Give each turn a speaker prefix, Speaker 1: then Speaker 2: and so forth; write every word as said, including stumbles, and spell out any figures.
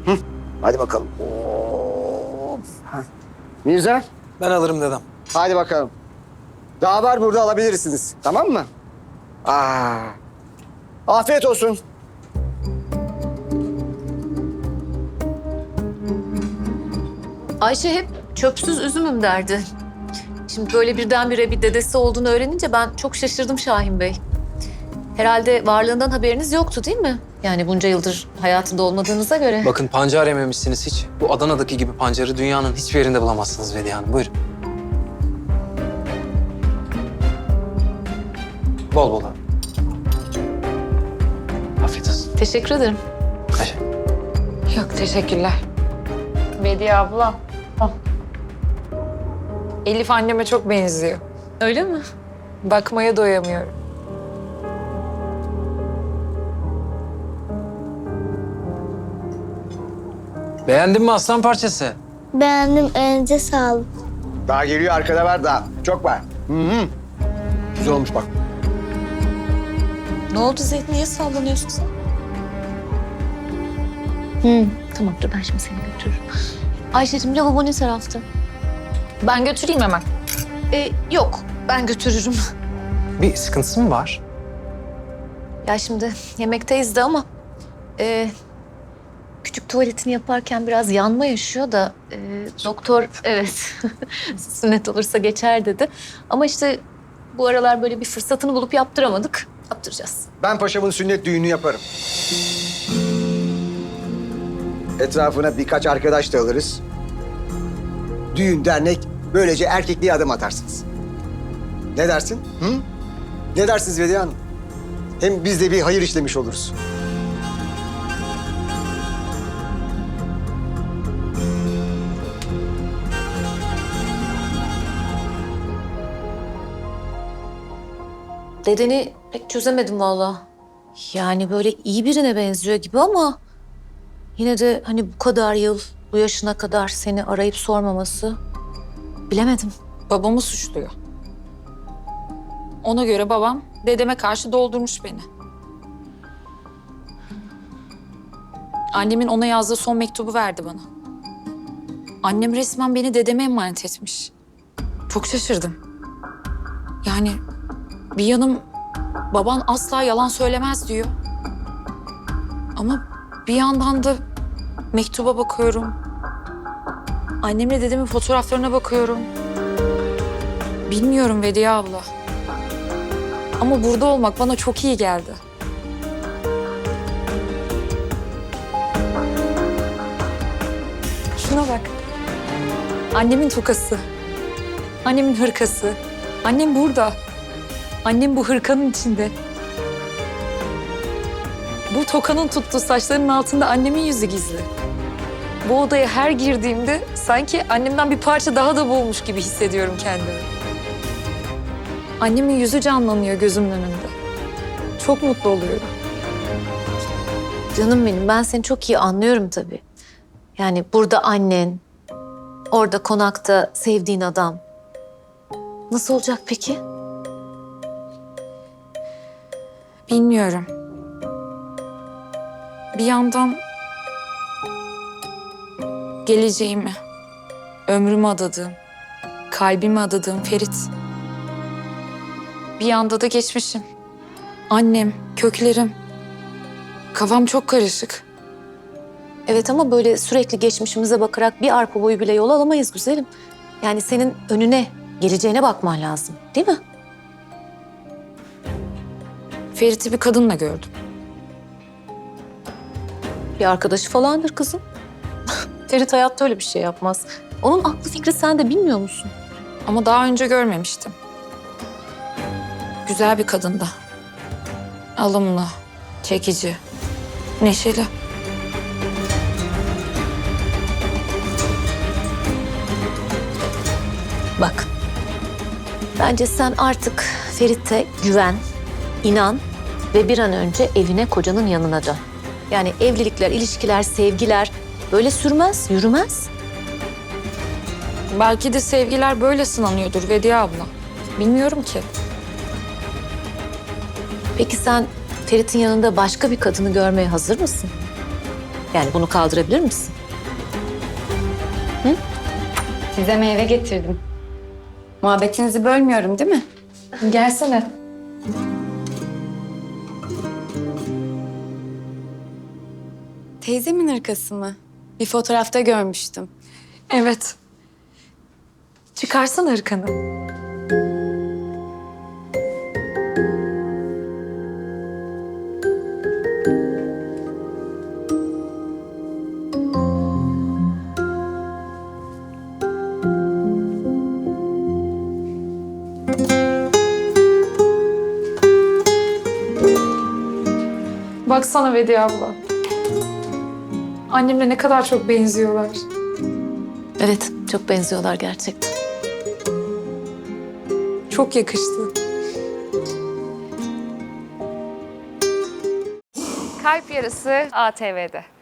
Speaker 1: Hı. Hadi bakalım. Of. Heh. Mirza,
Speaker 2: Ben alırım dedem.
Speaker 1: hadi bakalım. Daha var burada, alabilirsiniz. Tamam mı? Aa. Afiyet olsun.
Speaker 3: Ayşe hep çöpsüz üzümüm derdi. Şimdi böyle birdenbire bir dedesi olduğunu öğrenince ben çok şaşırdım Şahin Bey. Herhalde varlığından haberiniz yoktu değil mi? Yani bunca yıldır hayatında olmadığınıza göre.
Speaker 2: Bakın pancar yememişsiniz hiç. Bu Adana'daki gibi pancarı dünyanın hiçbir yerinde bulamazsınız Vediye Hanım. Buyurun. Bol bol abi. Afiyet olsun.
Speaker 3: Teşekkür ederim.
Speaker 2: Ayşe.
Speaker 4: Yok teşekkürler. Bediye abla. Al. Elif anneme çok benziyor.
Speaker 3: Öyle mi?
Speaker 4: Bakmaya doyamıyorum.
Speaker 2: Beğendin mi aslan parçası?
Speaker 5: Beğendim, elinize sağlık.
Speaker 1: Daha geliyor, arkada var daha. Çok var. Hı hı. Güzel olmuş bak.
Speaker 3: Ne oldu Zeyd? Niye sallanıyorsun sen? Hı, tamam dur ben şimdi seni götürürüm. Ayşe'cim lavabo ne tarafta?
Speaker 4: Ben götüreyim hemen.
Speaker 3: Ee, yok ben götürürüm.
Speaker 2: Bir sıkıntısı mı var?
Speaker 3: Ya şimdi yemekteyiz de ama... E, küçük tuvaletini yaparken biraz yanma yaşıyor da... E, doktor evet sünnet olursa geçer dedi. Ama işte bu aralar böyle bir fırsatını bulup yaptıramadık. Yaptıracağız.
Speaker 1: Ben paşamın sünnet düğünü yaparım. Etrafına birkaç arkadaş da alırız. Düğün, dernek, böylece erkekliğe adım atarsınız. Ne dersin? Hı? Ne dersiniz Vediye Hanım? Hem biz de bir hayır işlemiş oluruz.
Speaker 3: Dedeni pek çözemedim vallahi. Yani böyle iyi birine benziyor gibi ama... Yine de hani bu kadar yıl, bu yaşına kadar seni arayıp sormaması... Bilemedim.
Speaker 4: Babamı suçluyor. Ona göre babam dedeme karşı doldurmuş beni. Annemin ona yazdığı son mektubu verdi bana. Annem resmen beni dedeme emanet etmiş. Çok şaşırdım. Yani bir yanım baban asla yalan söylemez diyor. Ama bir yandan da mektuba bakıyorum. Annemle dedemin fotoğraflarına bakıyorum. Bilmiyorum Vediye abla. Ama burada olmak bana çok iyi geldi. Şuna bak. Annemin tokası. Annemin hırkası. Annem burada. Annem bu hırkanın içinde. Bu tokanın tuttuğu saçlarının altında annemin yüzü gizli. Bu odaya her girdiğimde sanki annemden bir parça daha da boğulmuş gibi hissediyorum kendimi. Annemin yüzü canlanıyor gözümün önünde. Çok mutlu oluyorum.
Speaker 3: Canım benim, ben seni çok iyi anlıyorum tabii. Yani burada annen, orada konakta sevdiğin adam. Nasıl olacak peki?
Speaker 4: Bilmiyorum. Bir yandan geleceğimi, ömrümü adadığım, kalbimi adadığım Ferit. Bir yanda da geçmişim. Annem, köklerim. Kafam çok karışık.
Speaker 3: Evet ama böyle sürekli geçmişimize bakarak bir arpa boyu bile yol alamayız güzelim. Yani senin önüne, geleceğine bakman lazım, değil mi?
Speaker 4: Ferit'i bir kadınla gördüm.
Speaker 3: Bir arkadaşı falandır kızım. Ferit hayatta öyle bir şey yapmaz. Onun aklı fikri sen de bilmiyor musun?
Speaker 4: Ama daha önce görmemiştim. Güzel bir kadındı. Alımlı, çekici, neşeli.
Speaker 3: Bak, bence sen artık Ferit'e güven, inan ve bir an önce evine, kocanın yanına dön. Yani evlilikler, ilişkiler, sevgiler böyle sürmez, yürümez.
Speaker 4: Belki de sevgiler böyle sınanıyordur Vediye abla. Bilmiyorum ki.
Speaker 3: Peki sen Ferit'in yanında başka bir kadını görmeye hazır mısın? Yani bunu kaldırabilir misin?
Speaker 6: Size meyve getirdim. Muhabbetinizi bölmüyorum değil mi?
Speaker 3: Gelsene.
Speaker 6: Teyzemin hırkası mı? Bir fotoğrafta görmüştüm.
Speaker 3: Evet. Çıkarsana hırkanı.
Speaker 7: Baksana Vediye abla. Annemle ne kadar çok benziyorlar.
Speaker 3: Evet, çok benziyorlar gerçekten.
Speaker 7: Çok yakıştı.
Speaker 8: Kalp Yarısı A T V'de.